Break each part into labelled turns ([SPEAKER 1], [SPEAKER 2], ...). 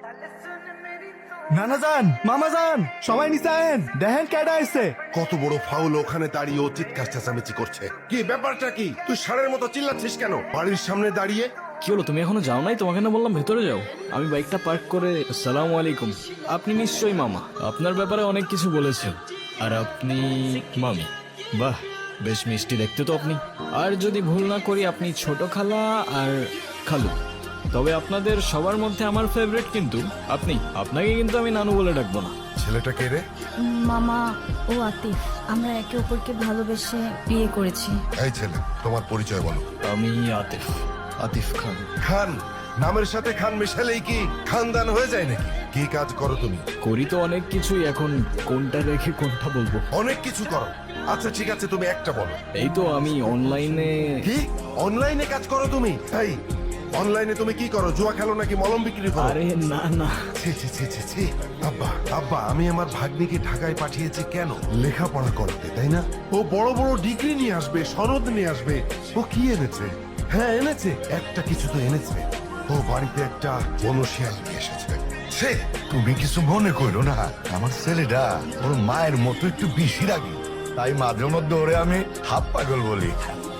[SPEAKER 1] নানা যান, মামা যান, সবাই নিচে আয়েন, দেখেন কেডা আইছে।
[SPEAKER 2] কত বড় ফাউল, ওখানে দাঁড়িয়ে ও চিৎকার চেঁচামেচি করছে। কি ব্যাপারটা কি? তুই ষাঁড়ের মতো চিল্লাচ্ছিস কেন বাড়ির সামনে দাঁড়িয়ে?
[SPEAKER 3] কি হলো, তুমি এখনো যাও নাই? তোমাকে না বললাম ভেতরে যাও। আমি বাইকটা পার্ক করে আসসালামু আলাইকুম। আপনি নিশ্চয়ই মামা, আপনার ব্যাপারে অনেক কিছু বলেছেন। আর আপনি মামি, বাহ বেশ মিষ্টি দেখতে তো আপনি। আর যদি ভুল না করি আপনি ছোট খালা আর খালু। তবে আপনাদের সবার মধ্যে আমার ফেভারিট কিন্তু আপনি। আপনাকে কিন্তু আমি নানু বলে ডাকবো না।
[SPEAKER 2] ছেলেটা কে রে?
[SPEAKER 4] মামা ও আতিফ, আমরা একে অপরকে ভালোবেসে বিয়ে করেছি।
[SPEAKER 2] এই ছেলে, তোমার পরিচয় বলো।
[SPEAKER 3] আমি আতিফ, আতিফ খান।
[SPEAKER 2] খান নামের সাথে খান মিশালেই কি খানদান হয়ে যায় নাকি? কি কাজ করো তুমি?
[SPEAKER 3] করি তো অনেক কিছুই, এখন কোনটা রেখে কোনটা বলবো?
[SPEAKER 2] অনেক কিছু করো। আচ্ছা ঠিক আছে, তুমি একটা বলো।
[SPEAKER 3] এই তো আমি অনলাইনে।
[SPEAKER 2] কি অনলাইনে কাজ করো তুমি? এই অনলাইনে তুমি কি করো? জুয়া খেলো নাকি মলম বিক্রি করো?
[SPEAKER 3] আরে না না,
[SPEAKER 2] ছি ছি ছি ছি ছি। আব্বা আব্বা, আমি আমার ভাগ্নিকে ঢাকায় পাঠিয়েছি কেন? লেখাপড়া করতে, তাই না? ও বড় বড় ডিগ্রি নিয়ে আসবে, সনদ নিয়ে আসবে। ও কি এনেছে? হ্যাঁ এনেছে, একটা কিছু তো এনেছে। ও বাড়িতে একটা বনশিয়াল নিয়ে এসেছে।
[SPEAKER 5] সে তুমি কিছু মনে করো না, আমার ছেলেটা ওর মায়ের মতো একটু বেশি রাগি, তাই মাঝে মধ্যে ওরে আমি হাফ পাগল বলি।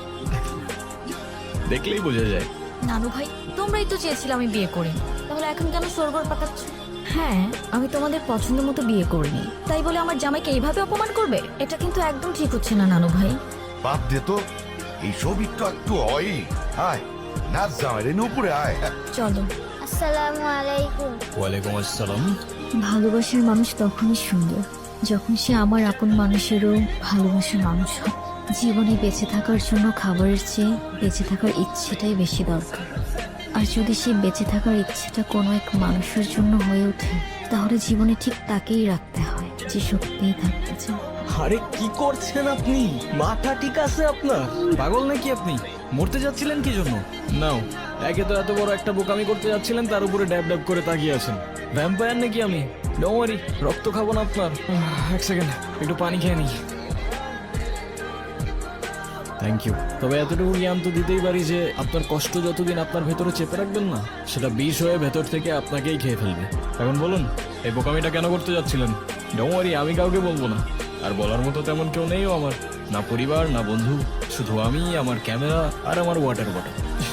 [SPEAKER 3] দেখলেই বোঝা যায়।
[SPEAKER 4] নানু ভাই, তোমরাই তো চেয়েছিলে আমি বিয়ে করি, তাহলে এখন কেন সরগর পাকাচ্ছ? হ্যাঁ, আমি তোমাদের পছন্দ মতো বিয়ে করিনি, তাই বলে আমার জামাইকে এইভাবে অপমান করবে? এটা কিন্তু একদম ঠিক হচ্ছে না নানু ভাই।
[SPEAKER 5] বাপ দে তো, এইসব একটু একটু হয়। আয় নাচ জামাই রে, উপরে আয়।
[SPEAKER 4] চলো।
[SPEAKER 6] আসসালামু আলাইকুম।
[SPEAKER 3] ওয়ালাইকুম আসসালাম।
[SPEAKER 4] ভালোবাসার মানুষ তখনই সুন্দর যখন সে আমার আপন মানুষেরও ভালোবাসার মানুষ হয়। জীবনে বেঁচে থাকার জন্য খাবারের চেয়ে বেঁচে থাকার ইচ্ছেটাই বেশি দরকার। আর যদি সেই বেঁচে থাকার ইচ্ছেটা কোনো এক মানুষের জন্য হয়ে ওঠে, তাহলে জীবনে ঠিক তাকেই রাখতে হয় যে সত্যিই থাকতে চায়।
[SPEAKER 3] আরে কি করছেন আপনি? মাথা ঠিক আছে আপনার? পাগল নাকি আপনি? মরতে যাচ্ছিলেন কি জন্য? নাও, একে তো এত বড় একটা বোকামি করতে যাচ্ছিলেন, তার উপরে ড্যাব ড্যাব করে তাকিয়ে আছেন। ভ্যাম্পায়ার নাকি আমি? ডোন্ট ওয়ারি, রক্ত খাবো না আপনার। এক সেকেন্ড, একটু পানি খেয়ে নিই। Thank you. তবে এতটুকু জ্ঞান তো দিতেই পারি যে আপনার কষ্ট যতদিন আপনার ভেতরে চেপে রাখবেন না, সেটা বিষ হয়ে ভেতর থেকে আপনাকেই খেয়ে ফেলবে। এখন বলুন, এই বোকামিটা কেন করতে যাচ্ছিলেন? ডোন্ট ওয়ারি, আমি কাউকে বলবো না। আর বলার মতো তেমন কেউ নেইও আমার, না পরিবার না বন্ধু, শুধু আমি, আমার ক্যামেরা আর আমার ওয়াটার বটল।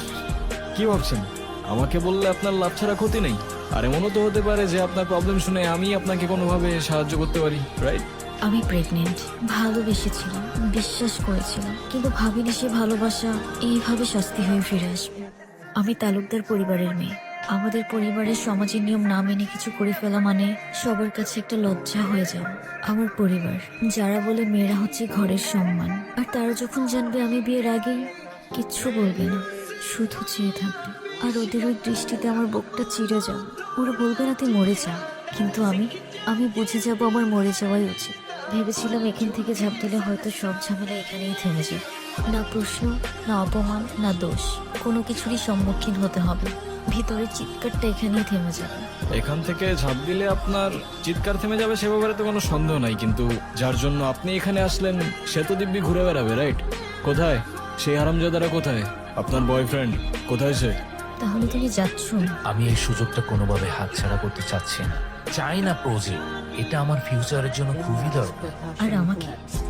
[SPEAKER 3] কি ভাবছেন আমাকে বললে আপনার লাভ ছাড়া ক্ষতি নেই? আর এমনও তো হতে পারে যে আপনার প্রবলেম শুনে আমি আপনাকে কোনোভাবে সাহায্য করতে পারি, রাইট?
[SPEAKER 4] আমি প্রেগনেন্ট, ভালোবেসেছিলাম, বিশ্বাস করেছিলাম, কিন্তু ভাবিনি সে ভালোবাসা এইভাবে শাস্তি হয়ে ফিরে আসবে। আমি তালুকদার পরিবারের মেয়ে। আমাদের পরিবারের সমাজের নিয়ম না মেনে কিছু করে ফেলা মানে সবার কাছে একটা লজ্জা হয়ে যাওয়া। আমার পরিবার যারা বলে মেয়েরা হচ্ছে ঘরের সম্মান, আর তারা যখন জানবে আমি বিয়ের আগেই কিচ্ছু বলবে না, শুধু চেয়ে থাকবে। আর ওদের ওই দৃষ্টিতে আমার বুকটা চিড়ে যাবে। ওরা বলবে না তুই মরে যা, কিন্তু আমি বুঝে যাব আমার মরে যাওয়াই উচিত। ভেবেছিলাম এখান থেকে ঝাঁপ দিলে হয়তো সব ঝামেলা এখানেই থেমে যাবে। না প্রশ্ন, না অপমান, না দোষ, কোনো কিছুরই সম্মুখীন হতে হবে। ভিতরের চিৎকারটা এখানেই থেমে যাবে।
[SPEAKER 3] এখান থেকে ঝাঁপ দিলে আপনার চিৎকার থেমে যাবে সে ব্যাপারে তো কোনো সন্দেহ নাই, কিন্তু যার জন্য আপনি এখানে আসলেন সে তো দিব্যি ঘুরে বেড়াবে, রাইট? কোথায় সেই হারামজাদারা? কোথায় আপনার বয়ফ্রেন্ড? কোথায় সে?
[SPEAKER 4] তাহলে তুমি যাচ্ছ?
[SPEAKER 7] আমি এই সুযোগটা কোনোভাবে হাতছাড়া করতে চাচ্ছি না। চাই না প্রজেক্ট, এটা আমার ফিউচারের জন্য খুবই দরকার।
[SPEAKER 4] আর আমাকে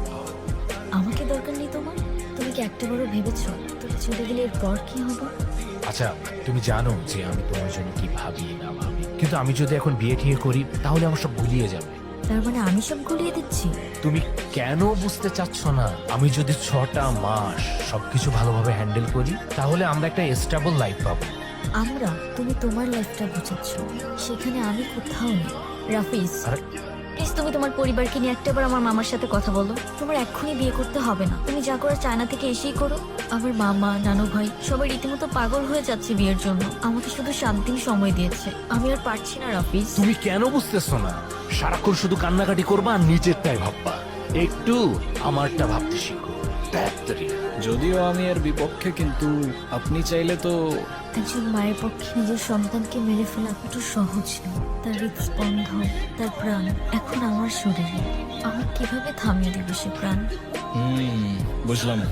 [SPEAKER 4] আমাকে দরকার নেই তোমার? তুমি কি একটাবারও ভেবেছো তুমি চলে গেলে এরপর কি হবে?
[SPEAKER 7] আচ্ছা, তুমি জানো যে আমি তোমার জন্য কি ভাবি না ভাবি, কিন্তু আমি যদি এখন বিয়ে ঠিয়ে করি তাহলে আমার সব ভুলিয়ে যাবে।
[SPEAKER 4] তার মানে আমি সব গুলিয়ে দিচ্ছি?
[SPEAKER 7] তুমি কেন বুঝতে চাচ্ছ না? আমি যদি 6টা মাস সবকিছু ভালোভাবে হ্যান্ডেল করি তাহলে আমরা একটা স্টেবল লাইফ পাবো।
[SPEAKER 4] আমরা? তুমি তোমার লাইফটা বুঝাচ্ছ, সেখানে আমি কোথাও নেই। রাফিজ,
[SPEAKER 7] আরে
[SPEAKER 4] প্লিজ তুমি তোমার পরিবারকে নিয়ে একটাবার আমার মামার সাথে কথা বলো। তোমার এক্ষুনি বিয়ে করতে হবে না, তুমি যা করো চায়না থেকে এসেই করো। আমার মামা, নানু ভাই সবাই রীতিমতো পাগল হয়ে যাচ্ছে বিয়ের জন্য। আমাকে শুধু 7 দিন সময় দিয়েছে, আমি আর পারছি না রাফিজ।
[SPEAKER 7] তুমি কেন বুঝতেছো না? সারাক্ষণ শুধু কান্নাকাটি করবা আর নিজেরটাই ভাববা। একটু আমারটা ভাবতে শিখো। তাড়াতাড়ি।
[SPEAKER 3] যদিও আমি এর বিপক্ষে, কিন্তু আপনি চাইলে তো।
[SPEAKER 4] একজন মায়ের পক্ষে নিজের সন্তানকে মেরে ফেলা একটু সহজ নয়। তার হৃদস্পন্দন, তার প্রাণ এখন আমার শরীরে। আমার কিভাবে থামিয়ে দেবে সে প্রাণ?
[SPEAKER 3] বুঝলাম।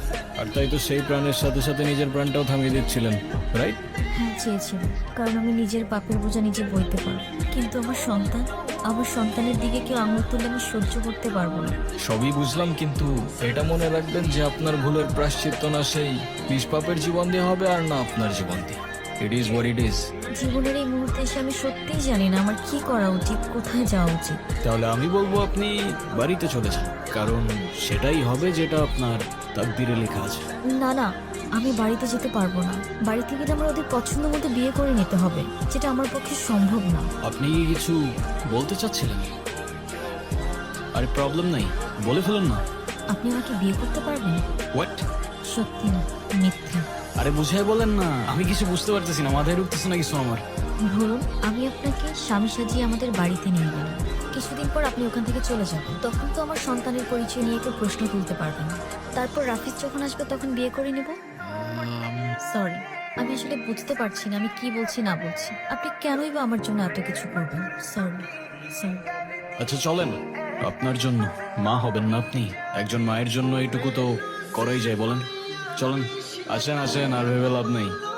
[SPEAKER 3] আর তাই তো সেই প্রাণের সাথে সাথে নিজের প্রাণটাও থামিয়ে দিচ্ছিলেন, রাইট?
[SPEAKER 4] হ্যাঁ চেয়েছিলাম, কারণ আমি নিজের পাপের বোঝা নিজে বইতে পারবো, কিন্তু আমার সন্তানের দিকে কেউ আঙুল তুললে আমি সহ্য করতে পারবো না।
[SPEAKER 3] সবই বুঝলাম, কিন্তু এটা মনে রাখবেন যে আপনার ভুলের প্রায়শ্চিত্ত না সেই নিষ্পাপের জীবন দিয়ে হবে আর না আপনার জীবন দিয়ে। It is what it is.
[SPEAKER 4] জীবনের এই মুহূর্তে এসে আমি সত্যিই জানি না আমার কি করা উচিত, কোথায় যাওয়া উচিত।
[SPEAKER 3] তাহলে আমি বলবো আপনি বাড়িতে চলে যান, কারণ সেটাই হবে যেটা আপনার তাকদিরে লেখা আছে।
[SPEAKER 4] না না, আমি বাড়িতে যেতে পারবো না। বাড়িতে গেলে আমার ওদের পছন্দ মতো বিয়ে করে নিতে হবে, যেটা আমার পক্ষে সম্ভব না।
[SPEAKER 3] আপনি কি কিছু বলতে চাচ্ছিলেন? আরে প্রবলেম নাই, বলে ফেলুন না।
[SPEAKER 4] আপনি আমাকে বিয়ে করতে পারবেন?
[SPEAKER 3] হোয়াট?
[SPEAKER 4] সত্যি না, মিথ্যা।
[SPEAKER 3] আরে বুঝাই বলেন না, আমি কিছু বুঝতে পারতেছি না, মাথায় ঢুকতেছে না কিছু আমার।
[SPEAKER 4] ধরুন আমি আপনাকে স্বামী সাজিয়ে আমাদের বাড়িতে নিয়ে গেলাম, কিছুদিন পর আপনি ওখান থেকে চলে যাবেন, তখন তো আমার সন্তানের পরিচয় নিয়ে কেউ প্রশ্ন তুলতে পারবেন না। তারপর রাফিজ যখন আসবে তখন বিয়ে করে নেব। সরি, আমি আসলে বুঝতে পারছি না আমি কি বলছি না বলছি। আপনি কেনই বা আমার জন্য এত কিছু করবেন? সরি।
[SPEAKER 3] আচ্ছা চলেন, আপনার জন্য মা হবেন না আপনি, একজন মায়ের জন্য এইটুকু তো করাই যায় বলেন। চলেন, আসেন আসেন, আর ভেবে লাভ নেই।